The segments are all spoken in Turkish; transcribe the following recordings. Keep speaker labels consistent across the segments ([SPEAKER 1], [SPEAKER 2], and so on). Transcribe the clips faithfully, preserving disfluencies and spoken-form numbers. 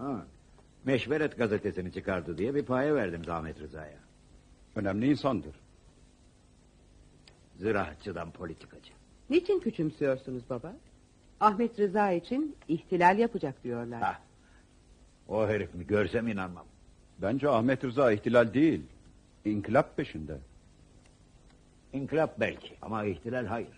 [SPEAKER 1] Ha, Meşveret gazetesini çıkardı diye bir paye verdim Ahmet Rıza'ya.
[SPEAKER 2] Önemli insandır.
[SPEAKER 1] Ziraatçıdan politikacı.
[SPEAKER 3] Niçin küçümsüyorsunuz baba? Ahmet Rıza için ihtilal yapacak diyorlar.
[SPEAKER 1] Ha, o herif mi görsem inanmam.
[SPEAKER 2] Bence Ahmet Rıza ihtilal değil, inkılap peşinde.
[SPEAKER 1] İnkılap belki ama ihtilal hayır.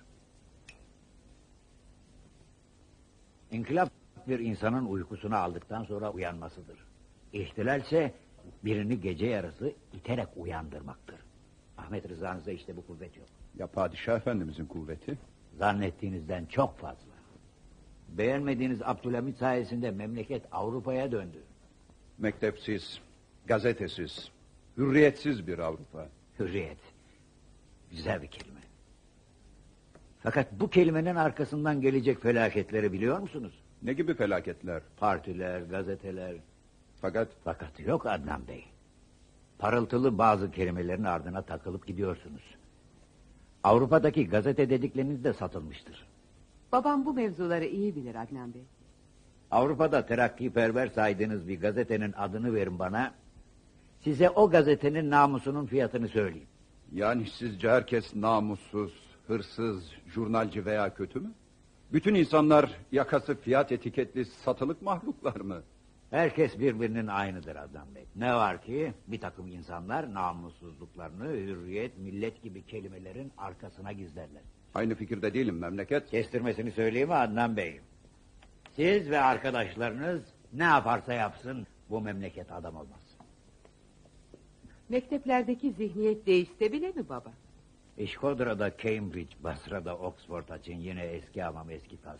[SPEAKER 1] İnkılap bir insanın uykusunu aldıktan sonra uyanmasıdır. İhtilalse birini gece yarısı iterek uyandırmaktır. Ahmet Rıza'nızda işte bu kuvvet yok.
[SPEAKER 2] Ya padişah efendimizin kuvveti?
[SPEAKER 1] Zannettiğinizden çok fazla. Beğenmediğiniz Abdülhamit sayesinde memleket Avrupa'ya döndü.
[SPEAKER 2] Mektepsiz, gazetesiz, hürriyetsiz bir Avrupa.
[SPEAKER 1] Hürriyet. Güzel bir kelime. Fakat bu kelimenin arkasından gelecek felaketleri biliyor musunuz?
[SPEAKER 2] Ne gibi felaketler?
[SPEAKER 1] Partiler, gazeteler.
[SPEAKER 2] Fakat...
[SPEAKER 1] Fakat yok Adnan Bey. Parıltılı bazı kelimelerin ardına takılıp gidiyorsunuz. Avrupa'daki gazete dedikleriniz de satılmıştır.
[SPEAKER 3] Babam bu mevzuları iyi bilir Adnan Bey.
[SPEAKER 1] Avrupa'da terakkiperver saydığınız bir gazetenin adını verin bana. Size o gazetenin namusunun fiyatını söyleyeyim.
[SPEAKER 2] Yani sizce herkes namussuz, hırsız, jurnalci veya kötü mü? Bütün insanlar yakası fiyat etiketli satılık mahluklar mı?
[SPEAKER 1] Herkes birbirinin aynıdır Adnan Bey. Ne var ki bir takım insanlar namussuzluklarını hürriyet, millet gibi kelimelerin arkasına gizlerler.
[SPEAKER 2] Aynı fikirde değilim memleket.
[SPEAKER 1] Kestirmesini söyleyeyim mi Adnan Bey? Siz ve arkadaşlarınız ne yaparsa yapsın bu memleket adam olmaz.
[SPEAKER 3] Mekteplerdeki zihniyet değişse bile mi baba?
[SPEAKER 1] İşkodra'da Cambridge, Basra'da Oxford açın yine eski hamam eski tas.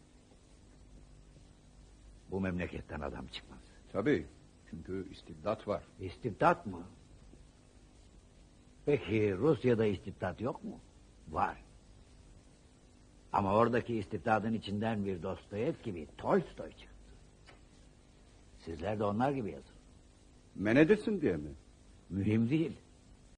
[SPEAKER 1] Bu memleketten adam çıkmaz.
[SPEAKER 2] Tabii, çünkü istibdat var.
[SPEAKER 1] İstibdat mı? Peki Rusya'da istibdat yok mu? Var. Ama oradaki istibdadın içinden bir Dostoyevski gibi Tolstoy çıktı. Sizler de onlar gibi yazın.
[SPEAKER 2] Men edilsin diye mi?
[SPEAKER 1] Mühim değil.